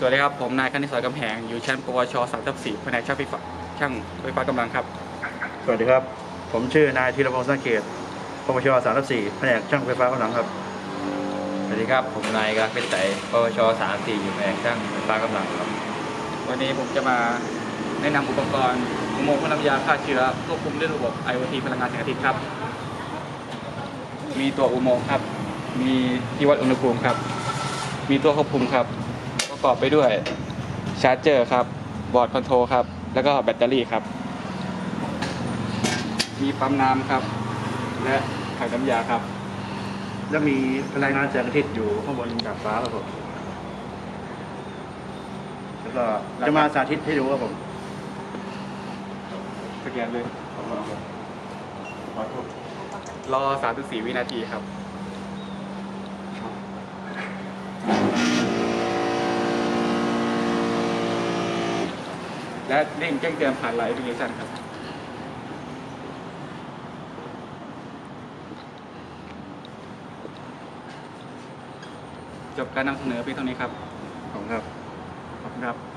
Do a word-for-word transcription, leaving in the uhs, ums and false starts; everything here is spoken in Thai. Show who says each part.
Speaker 1: วัสดีครับผมนายคณิตศรกำแหงอยู่ชั้นปวชสามทับสี่แผนกช่างไฟฟ้าช่างไฟฟ้ากำลังครับ
Speaker 2: สวัสดีครับผมชื่อนายธีรพงษ์สังเกตปวชสามทับสี่แผนกช่างไฟฟ้ากำลังครับ
Speaker 3: สวัสดีครับผมนายกราฟเป็นไสปวชสามสี่อยู่แผนกช่างไฟฟ้ากำลังครับ
Speaker 1: วันนี้ผมจะมาแนะนำอุปกรณ์อุโมงค์พ่นน้ำยาฆ่าเชื้อควบคุมด้วยระบบ ไอ โอ ที พลังงานแสงอาทิตย์ครับมีตัวอุโมงค์ครับมีที่วัดอุณหภูมิครับมีตัวควบคุมครับประกอบไปด้วยชาร์จเจอร์ครับบอร์ดคอนโทรลครับแล้วก็แบตเตอรี่ครับมีปั๊มน้ำครับและถังน้ำยาครับ
Speaker 2: แล้วมีพลังงานแสงอาทิตย์อยู่ข้างบนดาดฟ้าครับผมแล้วก็จะมาสาธิตให้ดูครับผม
Speaker 1: สแกนเลยรอสามถึงสี่วินาทีครับและเร่งแจ้งเตือนผ่านไลน์แอปพลิเคชันครับจบการนำเสนอเพียงเท่านี้ครับ
Speaker 2: ขอบคุณครับ
Speaker 1: ขอบคุณครับ